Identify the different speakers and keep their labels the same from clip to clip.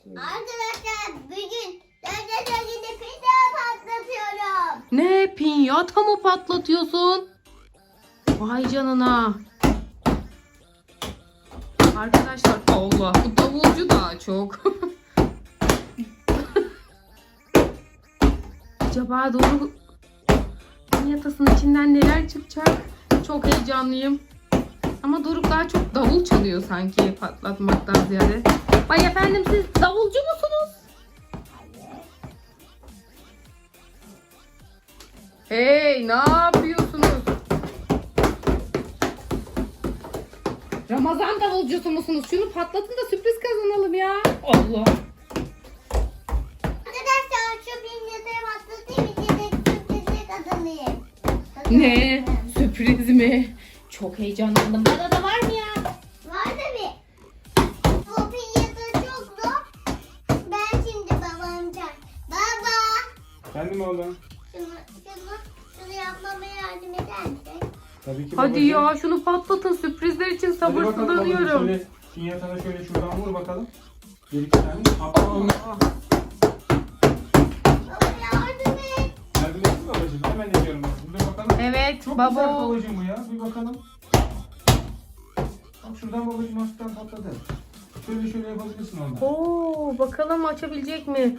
Speaker 1: Arkadaşlar bugün dönüşte pizza patlatıyorum.
Speaker 2: Ne? Pinyata mı patlatıyorsun? Vay canına. Arkadaşlar Allah, bu davulcu daha çok. Acaba doğru pinyatasının içinden neler çıkacak? Çok heyecanlıyım. Ama Doruk daha çok davul çalıyor sanki patlatmaktan ziyade. Vay efendim, siz davulcu musunuz? Hey, ne yapıyorsunuz? Ramazan davulcusu musunuz? Şunu patlatın da sürpriz kazanalım ya. Allah.
Speaker 1: Arkadaşlar şu pizzayı patlatayım içinde sürprizi kazanayım.
Speaker 2: Ne? Sürpriz mi? Çok heyecanlandım. Bana da var mı ya?
Speaker 1: Var tabii. Bu pizza çok zor. Ben şimdi babamca. Baba.
Speaker 3: Efendim oğlum?
Speaker 1: Şunu yapmama yardım eder misin?
Speaker 3: Tabii ki
Speaker 2: Hadi
Speaker 3: babacığım.
Speaker 2: ya, şunu patlatın. Sürprizler için
Speaker 3: Hadi bakalım babacığım,
Speaker 2: sabırsızlanıyorum.
Speaker 3: şöyle pinyatana şöyle şuradan vur bakalım. Bir iki tane. Atma.
Speaker 1: Baba yardım et.
Speaker 3: Yardım etsin babacığım. Hemen ediyorum. Dur bakalım.
Speaker 2: Evet
Speaker 3: Çok güzel
Speaker 2: baba.
Speaker 3: babacığım bu ya. Bir bakalım. Bak şuradan babacığım hafiften patladı. Şöyle yapabilirsin ondan.
Speaker 2: Oo, bakalım açabilecek mi?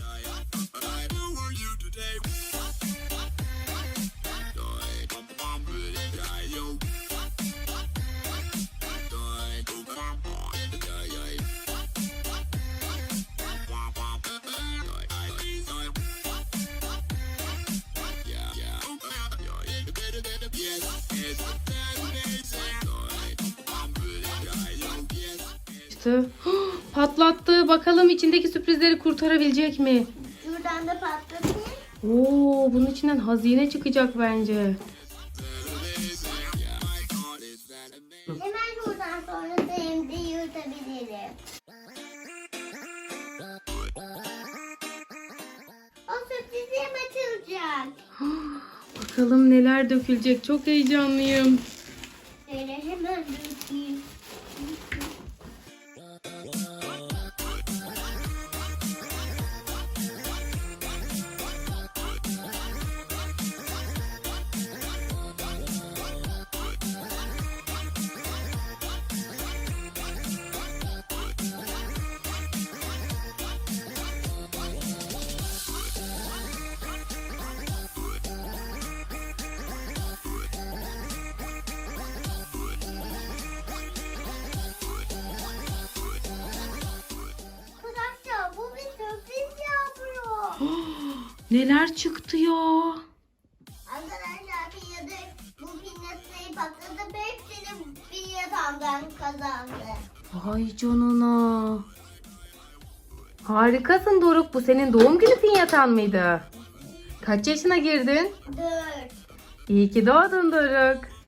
Speaker 2: İşte patlattı. Bakalım içindeki sürprizleri kurtarabilecek mi?
Speaker 1: Şuradan da patlatayım.
Speaker 2: Oo, bunun içinden hazine çıkacak bence.
Speaker 1: Hemen şuradan sonra da hem de yırtabilirim. O sürprizim açılacak.
Speaker 2: Bakalım neler dökülecek. Çok heyecanlıyım.
Speaker 1: Şöyle hemen dökeyim. Arkadaşlar bu bir sürpriz yapıyor.
Speaker 2: Neler çıktı ya?
Speaker 1: Arkadaşlar bu pinyatayı patlatıp hepsini pinyatamdan kazandı.
Speaker 2: Vay canına. Harikasın Doruk. Bu senin doğum günü pinyatan mıydı? Kaç yaşına girdin?
Speaker 1: 4.
Speaker 2: İyi ki doğdun Doruk.